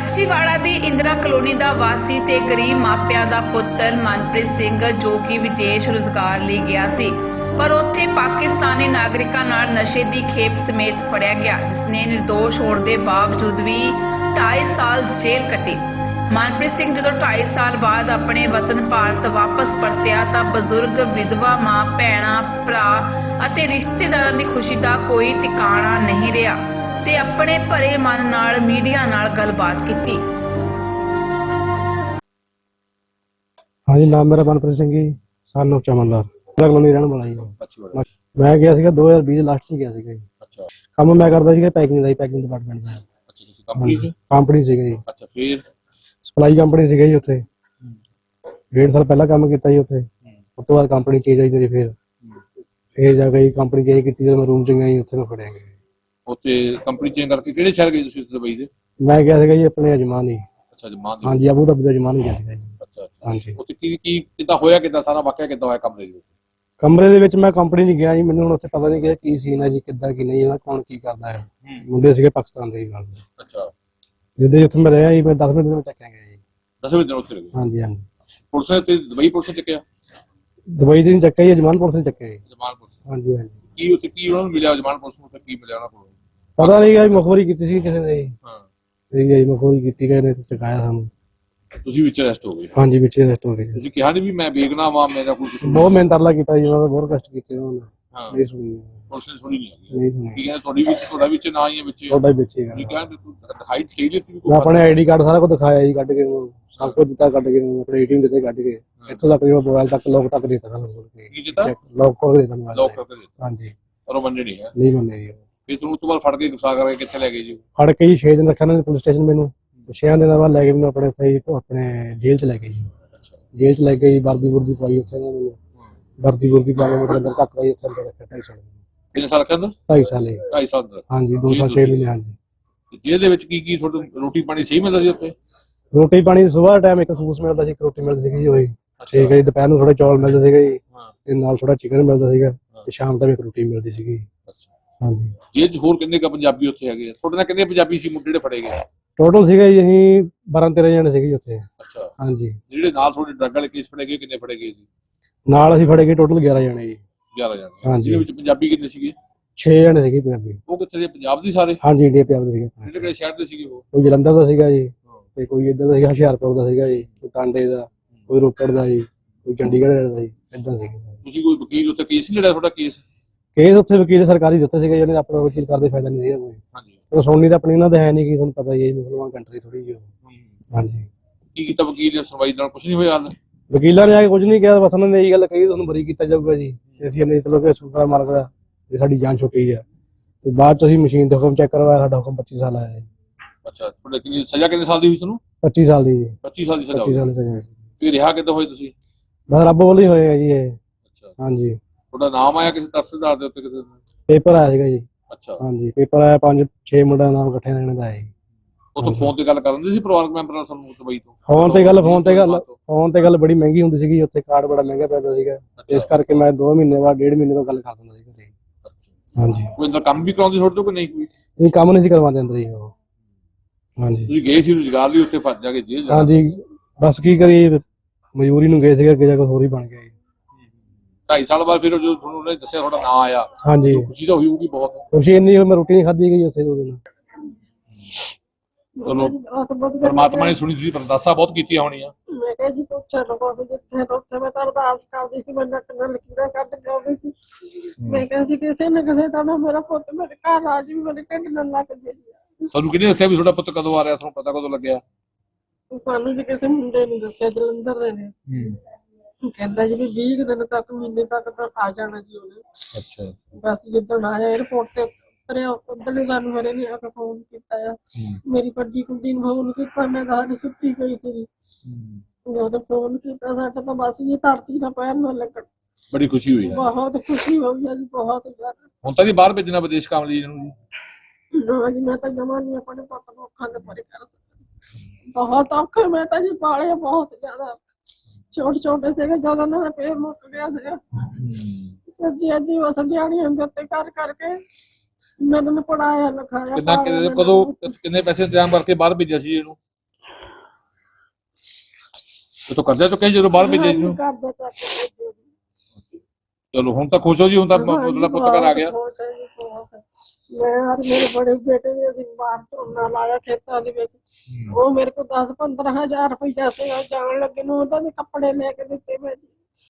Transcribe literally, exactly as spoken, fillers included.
ਮਾਛੀਵਾੜਾ ਦੀ ਇੰਦਰਾ ਕਲੋਨੀ ਦਾ ਵਾਸੀ ਤੇ ਗਰੀਬ ਮਾਪਿਆਂ ਦਾ ਪੁੱਤਰ ਮਨਪ੍ਰੀਤ ਸਿੰਘ ਜੋ ਕਿ ਵਿਦੇਸ਼ ਰੁਜ਼ਗਾਰ ਲਈ ਗਿਆ ਸੀ ਪਰ ਉੱਥੇ ਪਾਕਿਸਤਾਨੀ ਨਾਗਰਿਕਾਂ ਨਾਲ ਨਸ਼ੇ ਦੀ ਖੇਪ ਸਮੇਤ ਫੜਿਆ ਗਿਆ, ਜਿਸ ਨੇ ਨਿਰਦੋਸ਼ ਹੋਣ ਦੇ ਬਾਵਜੂਦ ਵੀ ਢਾਈ ਸਾਲ ਜੇਲ੍ਹ ਕੱਟੀ। ਮਨਪ੍ਰੀਤ ਸਿੰਘ ਜਦੋਂ ਢਾਈ ਸਾਲ ਬਾਅਦ ਆਪਣੇ ਵਤਨ ਭਾਰਤ ਵਾਪਸ ਪਰਤਿਆ ਤਾਂ ਬਜ਼ੁਰਗ, ਵਿਧਵਾ ਮਾਂ, ਭੈਣਾਂ, ਭਰਾ ਅਤੇ ਰਿਸ਼ਤੇਦਾਰਾਂ ਦੀ ਖੁਸ਼ੀ ਦਾ ਕੋਈ ਟਿਕਾਣਾ ਨਹੀਂ ਰਿਹਾ ਤੇ ਆਪਣੇ ਭਰੇ ਮਨ ਨਾਲ ਮੀਡੀਆ ਨਾਲ ਗੱਲਬਾਤ ਕੀਤੀ। ਹਾਂਜੀ, ਨਾਮ ਮੇਰਾ ਮਨਪ੍ਰੀਤ ਸਿੰਘ ਜੀ, ਸਨ ਆਫ ਚਮਨਲਾਲ, ਕਲੋਨੀ ਰਹਿਣ ਵਾਲਾ ਜੀ। ਮੈਂ ਗਿਆ ਸੀਗਾ ਦੋ ਹਜ਼ਾਰ ਵੀਹ ਲਾਸਟ 'ਚ ਗਿਆ ਸੀਗਾ ਜੀ। ਅੱਛਾ, ਕੰਮ ਮੈਂ ਕਰਦਾ ਸੀਗਾ ਪੈਕਿੰਗ ਦਾ, ਪੈਕਿੰਗ ਡਿਪਾਰਟਮੈਂਟ ਦਾ। ਅੱਛਾ, ਤੁਸੀਂ ਕੰਪਨੀ 'ਚ? ਕੰਪਨੀ ਸੀਗਾ ਜੀ। ਅੱਛਾ, ਫਿਰ ਸਪਲਾਈ ਕੰਪਨੀ ਸੀਗਾ ਜੀ ਉੱਥੇ। ਡੇਢ ਸਾਲ ਪਹਿਲਾਂ ਕੰਮ ਕੀਤਾ ਜੀ ਉੱਥੇ। ਉਸ ਤੋਂ ਬਾਅਦ ਕੰਪਨੀ ਚੇਂਜ ਹੋਈ ਮੇਰੀ, ਫਿਰ ਫਿਰ ਜਾ ਕੇ ਕੰਪਨੀ ਚੇਂਜ ਕੀਤੀ, ਜਦੋਂ ਮੈਂ ਰੂਮ 'ਚ ਗਿਆ ਜੀ ਉੱਥੇ ਮੈਂ ਫੜਿਆ ਗਿਆ। ਉੱਥੇ ਕੰਪਨੀ ਚੇਂਜ ਕਰਕੇ ਕਿਹੜੇ ਸ਼ਹਿਰ ਗਏ ਤੁਸੀਂ ਦੁਬਈ ਦੇ? ਮੈਂ ਗਿਆ ਸੀਗਾ ਜੀ ਆਪਣੇ ਅਜਮਾਨ ਹੀ। ਅੱਛਾ, ਜਮਾਨ ਦੇ? ਹਾਂਜੀ, ਆਬੂ ਧਾਬੀ ਦਾ ਅਜਮਾਨ ਹੀ ਗਿਆ ਸੀਗਾ ਜੀ। ਅੱਛਾ ਅੱਛਾ, ਹਾਂਜੀ। ਉੱਥੇ ਕੀ ਕੀ ਕਿੱਦਾਂ ਹੋਇਆ, ਕਿੱਦਾਂ ਸਾਰਾ ਵਾਕਿਆ ਕਿੱਦਾਂ ਹੋਇਆ ਕਮਰੇ ਦੇ ਵਿੱਚ? ਕਮਰੇ ਦੇ ਵਿੱਚ ਮੈਂ ਕੰਪਨੀ 'ਚ ਗਿਆ ਜੀ, ਮੈਨੂੰ ਹੁਣ ਉੱਥੇ ਪਤਾ ਨਹੀਂ ਕਿ ਕੀ ਸੀਨ ਹੈ ਜੀ, ਕਿੱਦਾਂ ਕੀ ਨਹੀਂ, ਇਹਨਾਂ ਕੌਣ ਕੀ ਕਰਦਾ ਹੈ। ਮੁੰਡੇ ਸੀਗੇ ਪਾਕਿਸਤਾਨ ਦੇ ਨਾਲ। ਅੱਛਾ, ਜਿੱਦਾਂ ਉੱਥੇ ਮੈਂ ਰਿਹਾ ਜੀ, ਮੈਂ ਦਸ ਮਿੰਟ ਦੇ ਵਿੱਚ ਚੱਕਿਆ ਗਿਆ ਜੀ। ਦਸਵੇਂ ਦਿਨ ਉੱਥੇ ਰਹੇ? ਹਾਂਜੀ ਹਾਂਜੀ। ਪੁਲਿਸ ਨੇ ਤੇ ਦੁਬਈ ਪੁਲਿਸ ਨੇ ਚੱਕਿਆ? ਦੁਬਈ ਦੇ ਨਹੀਂ ਚੱਕਿਆ ਜੀ, ਅਜਮਾਨ ਪੁਲਿਸ ਨੇ ਚੱਕਿਆ ਜੀ। ਜਮਾਨ ਪੁਲਿਸ? ਹਾਂਜੀ ਹਾਂਜੀ। ਕੀ ਉੱਥੇ ਕੀ ਉਹਨਾਂ ਨੂੰ ਮਿਲਿਆ ਜਮਾਨ ਪੁਲਿਸ ਨੂੰ, ਕੀ ਮਿਲਿਆ ਉਹਨਾਂ ਕੋਲ? ਪਤਾ ਨਹੀਂ ਜੀ, ਮੁਖਬਰੀ ਕੀਤੀ ਸੀ ਕਿਸੇ ਨੇ ਜੀ। ਹਾਂ, ਠੀਕ ਹੈ ਜੀ, ਮੁਖਬਰੀ ਕੀਤੀ ਗਏ ਨੇ ਤੇ ਚਕਾਇਆ ਸਾਨੂੰ। ਤੁਸੀਂ ਵਿੱਚ ਅਰੈਸਟ ਹੋ ਗਏ? ਹਾਂਜੀ, ਵਿੱਚ ਅਰੈਸਟ ਹੋ ਗਏ। ਤੁਸੀਂ ਕਿਹਾ ਨਹੀਂ ਵੀ ਮੈਂ ਬੇਗਨਾ ਵਾਂ, ਮੇਰਾ ਕੋਈ ਕੁਝ? ਬਹੁਤ ਮਿਹਨਤ ਤਰਲਾ ਕੀਤਾ ਜੀ ਉਹਨਾਂ ਦਾ, ਬਹੁਤ ਕਸ਼ਟ ਕੀਤੇ ਉਹਨਾਂ ਨੇ। ਹਾਂ, ਨਹੀਂ ਸੁਣੀ, ਪੁਲਿਸ ਨੇ ਸੁਣੀ ਨਹੀਂ ਹੈਗੀ। ਨਹੀਂ ਸੁਣੀ। ਕੀ ਕਹਿੰਦੇ ਤੁਹਾਡੀ ਵਿੱਚ, ਤੁਹਾਡਾ ਵਿੱਚ ਨਾ ਹੀ ਹੈ ਵਿੱਚ? ਤੁਹਾਡਾ ਹੀ ਵਿੱਚ ਤੁਸੀਂ ਹੈਗਾ। ਕਿਹਾ ਵੀ ਤੂੰ ਦਿਖਾਈ ਦੇ ਦਿੱਤੀ ਵੀ ਮੈਂ ਆਪਣੇ ਆਈਡੀ ਕਾਰਡ ਸਾਰਾ ਕੁਝ ਦਿਖਾਇਆ ਜੀ, ਕੱਢ ਕੇ ਉਹਨੂੰ ਸਭ ਕੁਝ ਦਿੱਤਾ, ਕੱਢ ਕੇ ਉਹਨੂੰ ਆਪਣੇ ਏਟੀਐਮ ਦਿੱਤੇ, ਕੱਢ ਕੇ ਇੱਥੋਂ ਤੱਕ ਜਿਹੜਾ ਮੋਬਾਈਲ ਤੱਕ ਲੋਕ ਤੱਕ ਦਿੱਤਾ ਸਾਨੂੰ। ਕੀ ਕੀਤਾ? ਲੋਕ ਖੋਲ ਕੇ ਦਿੱਤਾ ਮੋਬਾਈਲ। ਲੋਕ ਕਰਕੇ ਦਿੱਤਾ? ਹਾਂਜੀ। ਪਰ ਉਹ ਮੰਨੇ ਨਹੀਂ ਹੈ? ਨਹੀਂ ਮੰਨੇ ਜੀ। ਫਿਰ ਤੂੰ ਉਸ ਤੋਂ ਬਾਅਦ ਫੜ ਕੇ ਗੁੱਸਾ ਕਰਕੇ ਕਿੱਥੇ ਲੈ ਗਏ ਜੀ? ਫੜ ਕੇ ਜੀ ਛੇ ਦਿਨ ਰੱਖਿਆ ਉਹਨਾਂ ਨੇ ਪੁਲਿਸ ਸਟੇਸ਼ਨ ਮੈਨੂੰ। ਛੇ ਦਿਨਾਂ ਬਾਅਦ ਲੈ ਕੇ ਮੈਨੂੰ ਆਪਣੇ ਸਹੀ ਆਪਣੇ ਜੇਲ੍ਹ 'ਚ ਲੈ ਗਏ ਜੀ। ਅੱਛਾ, ਜੇਲ੍ਹ 'ਚ ਲੈ ਕੇ ਜੀ ਵਰਦੀ ਵੁਰਦੀ ਪਾਈ ਉੱਥੇ ਉਹਨਾਂ ਨੇ, ਵਰਦੀ ਵੁਰਦੀ ਪਾ ਕੇ ਮੇਰੇ ਅੰਦਰ ਤੱਕ ਰਹੀ, ਉੱਥੇ ਅੰਦਰ ਰੱਖਿਆ ਢਾਈ ਸਾਲ। ਕਿੰਨੇ ਸਾਲ ਕਹਿੰਦਾ? ਢਾਈ ਸਾਲ ਜੀ। ਢਾਈ ਸਾਲ ਦਾ? ਹਾਂਜੀ, ਦੋ ਸਾਲ ਛੇ ਮਹੀਨੇ। ਹਾਂਜੀ। ਜੇਲ੍ਹ ਦੇ ਵਿੱਚ ਕੀ ਕੀ ਤੁਹਾਨੂੰ ਰੋਟੀ ਪਾਣੀ ਸਹੀ ਮਿਲਦਾ ਸੀ ਉੱਥੇ? ਰੋਟੀ ਪਾਣੀ ਸੁਬਾਹ ਟਾਈਮ ਇੱਕ ਸੂਸ ਮਿਲਦਾ ਸੀ, ਇੱਕ ਰੋਟੀ ਮਿਲਦੀ ਸੀਗੀ ਉਹੀ। ਠੀਕ ਹੈ ਜੀ। ਦੁਪਹਿਰ ਨੂੰ ਥੋੜਾ ਚੌਲ ਮਿਲਦੇ ਸੀਗੇ ਜੀ, ਹਾਂ, ਤੇ ਨਾਲ ਥੋੜਾ ਚਿਕਨ ਮਿਲਦਾ ਸੀਗਾ, ਤੇ ਸ਼ਾਮ ਤੱਕ ਇੱਕ ਰੋਟੀ ਮਿਲਦੀ ਸੀਗੀ। ਅੱਛਾ। ਹਾਂਜੀ। ਜੇਲ੍ਹ 'ਚ ਹੋਰ ਕਿੰਨੇ ਕੁ ਪੰਜਾਬੀ ਉੱਥੇ ਹੈਗੇ ਆ? ਤੁਹਾਡੇ ਨਾਲ ਕਿੰਨੇ ਪੰਜਾਬੀ ਸੀ ਮੁੰਡੇ ਜਿਹੜੇ ਫੜੇ ਗਏ? ਟੋਟਲ ਸੀਗਾ ਜੀ ਅਸੀਂ ਬਾਰਾਂ ਤੇਰਾਂ ਜਣੇ ਸੀਗੇ ਜੀ ਉੱਥੇ। ਅੱਛਾ। ਹਾਂਜੀ। ਜਿਹੜੇ ਨਾਲ ਤੁਹਾਡੇ ਡਰੱਗ ਵਾਲੇ ਕੇਸ ਫੜੇ ਗਏ, ਕਿੰਨੇ ਫੜੇ ਗਏ ਸੀ? ਨਾਲ ਅਸੀਂ ਫੜੇ ਗਏ ਟੋਟਲ ਗਿਆਰਾਂ ਜਣੇ ਜੀ। ਗਿਆਰਾਂ ਜਣੇ? ਹਾਂਜੀ। ਜਿਹਦੇ ਵਿੱਚ ਪੰਜਾਬੀ ਕਿੰਨੇ ਸੀਗੇ? ਛੇ ਜਣੇ ਸੀਗੇ ਪੰਜਾਬੀ। ਉਹ ਕਿੱਥੇ ਦੇ, ਪੰਜਾਬ ਦੇ ਸਾਰੇ? ਹਾਂਜੀ, ਇੰਡੀਆ ਪੰਜਾਬ ਦੇ ਸੀਗੇ। ਕਿਹੜੇ ਕਿਹੜੇ ਸ਼ਹਿਰ ਦੇ ਸੀਗੇ ਉਹ? ਕੋਈ ਜਲੰਧਰ ਦਾ ਸੀਗਾ ਜੀ, ਤੇ ਕੋਈ ਇੱਧਰ ਦਾ ਸੀਗਾ ਹੁਸ਼ਿਆਰਪੁਰ ਦਾ ਸੀਗਾ ਜੀ, ਕੋਈ ਟਾਂਡੇ ਦਾ, ਕੋਈ ਰੋਪੜ ਦਾ ਜੀ, ਕੋਈ ਚੰਡੀਗੜ੍ਹ ਦਾ ਜੀ, ਏਦਾਂ ਸੀਗੇ। ਤੁਸੀਂ ਕੋਈ ਵਕੀਲ ਉੱਥੇ ਕੇਸ ਨਹੀਂ ਲੜਿਆ ਤੁਹਾਡਾ? ਕੇਸ ਕੇਸ ਉੱਥੇ ਵਕੀਲ ਸਰਕਾਰੀ ਦਿੱਤੇ ਸੀਗੇ, ਜਿਹਨੇ ਆਪਣਾ ਵਕੀਲ ਕਰਦੇ ਫਾਇਦਾ ਨਹੀਂ ਸੀਗਾ ਕੋਈ। ਹਾਂਜੀ। ਉਹ ਸੁਣਨੀ ਤਾਂ ਆਪਣੀ ਇਹਨਾਂ ਦੇ ਹੈ ਨਹੀਂ, ਕਿ ਤੁਹਾਨੂੰ ਪਤਾ ਹੀ ਹੈ ਮੁਸਲਮਾਨ ਕੰਟਰੀ ਥੋੜੀ ਜਿਹੀ। ਹਾਂਜੀ। ਕੀ ਕੀਤਾ ਵਕੀਲ ਨੇ? ਸੁਣਵਾਈ ਨਾਲ ਕੁਝ ਨਹੀਂ ਹੋਇਆ ਹਾਲ? ਵਕੀਲਾਂ ਨੇ ਆ ਕੇ ਕੁਝ ਨਹੀਂ ਕਿਹਾ, ਬਸ ਉਹਨਾਂ ਨੇ ਇਹੀ ਗੱਲ ਕਹੀ ਤੁਹਾਨੂੰ ਬਰੀ ਕੀਤਾ ਜਾਊਗਾ ਜੀ। ਅਸੀਂ ਨਹੀਂ ਚਲੋ ਕਿ ਸ਼ੁਕਰ ਮਾਲਕ ਦਾ ਵੀ ਸਾਡੀ ਜਾਨ ਛੁੱਟੀ ਆ। ਤੇ ਬਾਅਦ ਚ ਅਸੀਂ ਮਸ਼ੀਨ ਤੇ ਹੁਕਮ ਚੈੱਕ ਕਰਵਾਇਆ, ਸਾਡਾ ਹੁਕਮ ਪੱਚੀ ਸਾਲ ਆਇਆ ਜੀ। ਅੱਛਾ, ਤੁਹਾਡੇ ਕਿੰਨੀ ਸਜ਼ਾ, ਕਿੰਨੇ ਸਾਲ ਦੀ ਹੋਈ ਤੁਹਾਨੂੰ? ਪੱਚੀ ਸਾਲ ਦੀ ਜੀ। ਪੱਚੀ ਸਾਲ ਦੀ ਸਜ਼ਾ ਪੱਚੀ ਹੋਈ? ਸਾਲ ਦੀ ਸਜ਼ਾ। ਫਿਰ ਰਿਹਾ ਕਿੱਦਾਂ ਹੋਏ ਤੁਸੀਂ? ਬਸ ਰੱਬ ਵੱਲੋਂ ਹੀ ਹੋਏਗਾ ਜੀ ਇਹ। ਅੱਛਾ। ਹਾਂਜੀ। ਤੁਹਾਡਾ ਨਾਮ ਆਇਆ ਕਿਸੇ ਤਰਸਦਾਰ ਦੇ ਉੱਤੇ ਕਿਸੇ? ਪੇਪਰ ਆਇਆ ਸੀਗਾ ਜੀ। ਅੱਛਾ। ਹਾਂਜੀ, ਪੇਪਰ ਆਇਆ, ਪੰਜ ਛੇ ਮੁੰਡਿਆਂ ਦਾ ਨਾਮ ਇਕੱਠੇ ਰਹਿਣ ਦਾ ਹੈ ਜੀ। ਉਹ ਤੋਂ ਫੋਨ ਤੇ ਗੱਲ ਕਰਨ ਦੇ ਸੀ ਪਰਿਵਾਰਕ ਮੈਂਬਰ ਨਾਲ ਤੁਹਾਨੂੰ ਦੁਬਈ ਤੋਂ? ਫੋਨ ਤੇ ਗੱਲ ਫੋਨ ਤੇ ਗੱਲ ਫੋਨ ਤੇ ਗੱਲ ਬੜੀ ਮਹਿੰਗੀ ਹੁੰਦੀ ਸੀਗੀ ਉੱਥੇ, ਕਾਰਡ ਬੜਾ ਮਹਿੰਗਾ ਪੈਂਦਾ ਸੀਗਾ, ਇਸ ਕਰਕੇ ਮੈਂ ਦੋ ਮਹੀਨੇ ਬਾਅਦ ਡੇਢ ਮਹੀਨੇ ਤੋਂ ਗੱਲ ਕਰ ਦਿੰਦਾ ਸੀ ਘਰੇ। ਹਾਂਜੀ। ਕੋਈ ਅੰਦਰ ਕੰਮ ਵੀ ਕਰਾਉਂਦੇ ਤੁਹਾਡੇ ਤੋਂ ਕਿ ਨਹੀਂ? ਕੋਈ ਇਹ ਕੰਮ ਨਹੀਂ ਸੀ ਕਰਵਾਉਂਦੇ ਅੰਦਰ ਹੀ ਉਹ। ਹਾਂਜੀ। ਤੁਸੀਂ ਗਏ ਸੀ ਰੁਜ਼ਗਾਰ ਲਈ ਉੱਥੇ, ਫਸ ਜਾ ਕੇ ਜੇਲ੍ਹ? ਹਾਂਜੀ, ਬਸ ਕੀ ਕਰੀਏ, ਮਜ਼ਦੂਰੀ ਨੂੰ ਗਏ ਸੀਗੇ, ਅੱਗੇ ਜਾ ਕੇ ਹੋਰ ਹੀ ਬਣ ਗਿਆ ਜੀ। ਢਾਈ ਸਾਲ ਬਾਅਦ ਫਿਰ ਜਦੋਂ ਤੁਹਾਨੂੰ ਉਹਨੇ ਦੱਸਿਆ ਤੁਹਾਡਾ ਨਾਂ ਆਇਆ, ਹਾਂਜੀ, ਖੁਸ਼ੀ ਤਾਂ ਹੋਈ ਹੋਊਗੀ ਬਹੁਤ? ਖੁਸ਼ੀ ਇੰਨੀ ਹੋਈ, ਮੈਂ ਰੋਟੀ ਨਹੀਂ ਖਾਧੀ ਗਈ ਉੱਥੇ ਦੋ ਦਿਨ। ਚਲੋ, ਪਰਮਾਤਮਾ ਨੇ ਸੁਣੀ। ਤੁਸੀਂ ਅਰਦਾਸਾਂ ਬਹੁਤ ਕੀਤੀਆਂ ਹੋਣੀਆਂ। ਮੈਂ ਕਿਹਾ ਜੀ ਪੁੱਛਿਆ ਲੋ ਸੀ ਜਿੱਥੇ ਉੱਥੇ ਮੈਂ ਤਾਂ ਅਰਦਾਸ ਕਰਦੀ ਸੀ, ਮੈਂ ਨੱਕ ਨਾਲ ਲਕੀਰਾਂ ਕੱਢ ਕੇ ਆਉਂਦੀ ਸੀ। ਮੈਂ ਕਿਹਾ ਸੀ ਕਿਸੇ ਨਾ ਕਿਸੇ ਤਰ੍ਹਾਂ ਮੇਰਾ ਪੁੱਤ ਮੇਰੇ ਘਰ ਆ ਜੀ, ਮੇਰੇ ਢਿੱਡ ਨਾਲ ਲੱਗ ਜੇ। ਤੁਹਾਨੂੰ ਕਿਹਨੇ ਦੱਸਿਆ ਵੀ ਤੁਹਾਡਾ ਪੁੱਤ ਕਦੋਂ ਆ ਰਿਹਾ? ਤੁਹਾਨੂੰ ਪਤਾ ਕਦੋਂ ਲੱਗਿਆ? ਸਾਨੂੰ ਜੀ ਕਿਸੇ ਮੁੰਡੇ ਨੇ ਦੱਸਿਆ, ਜਲੰਧਰ ਦੇ ਨੇ। ਕਹਿੰਦਾ ਜੀ ਵੀ ਵੀਹ ਦਿਨ ਤੱਕ, ਮਹੀਨੇ ਤੱਕ ਤਾਂ ਆ ਜਾਣਾ ਜੀ ਉਹਨੇ। ਅੱਛਾ। ਬਸ ਜਿੱਦਣ ਆਇਆ 에어ਪੋਰਟ ਤੇ ਉਤਰਿਆ, ਉਦੋਂ ਹੀ ਸਾਨੂੰ ਮੇਰੇ ਨੇ ਆ ਕੇ ਫੋਨ ਕੀਤਾ ਆ। ਮੇਰੀ ਵੱਡੀ ਕੁੜੀ ਨੂੰ ਫੋਨ ਕੀਤਾ, ਮੈਂ ਤਾਂ ਹਜੇ ਸੁੱਤੀ ਪਈ ਸੀ। ਜਦੋਂ ਫੋਨ ਕੀਤਾ ਸਾਡਾ ਤਾਂ ਬਸ ਜੀ ਧਰਤੀ ਨਾਲ ਪੈਰ ਨਾ ਲੱਗਣ। ਬੜੀ ਖੁਸ਼ੀ ਹੋਈ? ਬਹੁਤ ਖੁਸ਼ੀ ਹੋਈ ਆ ਜੀ, ਬਹੁਤ ਜ਼ਿਆਦਾ। ਹੁਣ ਤਾਂ ਜੀ ਬਾਹਰ ਭੇਜਣਾ ਵਿਦੇਸ਼ ਕੰਮ ਲਈ ਇਹਨੂੰ ਜੀ? ਨਾ ਜੀ, ਮੈਂ ਤਾਂ ਜਮਾ ਨਹੀਂ ਆਪਣੇ ਪੁੱਤ ਨੂੰ ਅੱਖਾਂ ਦੇ ਪਰੇ ਕਰ ਸਕਦੀ। ਬਹੁਤ ਔਖਾ ਮੈਂ ਤਾਂ ਜੀ ਪਾਲਿਆ ਬਹੁਤ ਜ਼ਿਆਦਾ। ਛੋਟੇ ਛੋਟੇ ਸੀਗੇ ਜਦੋਂ ਉਹਨਾਂ ਦਾ ਪੇਟ ਮੁੱਕ ਗਿਆ ਸੀਗਾ। ਅੱਧੀ ਅੱਧੀ ਉਸ ਦਿਹਾੜੀਆਂ ਦੇ ਉੱਤੇ ਕਰ ਕਰਕੇ ਮੈਂ ਤੈਨੂੰ ਪੜਾਇਆ ਲਿਖਾਇਆ। ਕਿੰਨਾ ਕਦੋਂ ਕਿੰਨੇ ਪੈਸੇ ਇੰਤਜ਼ਾਮ ਕਰਕੇ ਬਾਹਰ ਭੇਜਿਆ ਸੀ ਇਹਨੂੰ? ਉਹ ਤਾਂ ਕਰਜ਼ਾ ਚੁੱਕਿਆ ਸੀ ਜਦੋਂ ਬਾਹਰ ਭੇਜਿਆ ਜੀ ਉਹਨੂੰ? ਘਰ ਦਾ ਚੱਕ ਕੇ ਭੇਜਿਆ ਜੀ। ਚਲੋ ਹੁਣ ਤਾਂ ਖੁਸ਼ ਹੋ ਜੀ, ਹੁਣ ਤਾਂ ਹਾਂਜੀ, ਤੁਹਾਡਾ ਪੁੱਤ ਘਰ ਆ ਗਿਆ। ਬਹੁਤ ਖੁਸ਼ ਹੈ ਜੀ, ਬਹੁਤ। ਮੈਂ ਔਰ ਮੇਰੇ ਬੜੇ ਬੇਟੇ ਨੇ ਅਸੀਂ ਬਾਹਰ ਝੋਨਾ ਲਾਇਆ ਖੇਤਾਂ ਦੇ ਵਿੱਚ। ਉਹ ਮੇਰੇ ਕੋਲ ਦਸ ਪੰਦਰਾਂ ਹਜ਼ਾਰ ਰੁਪਈਆ ਸੀਗਾ ਜਾਣ ਲੱਗੇ ਨੂੰ, ਉਹਦਾ ਦੇ ਕੱਪੜੇ ਲੈ ਕੇ ਦਿੱਤੇ ਮੈਂ ਜੀ।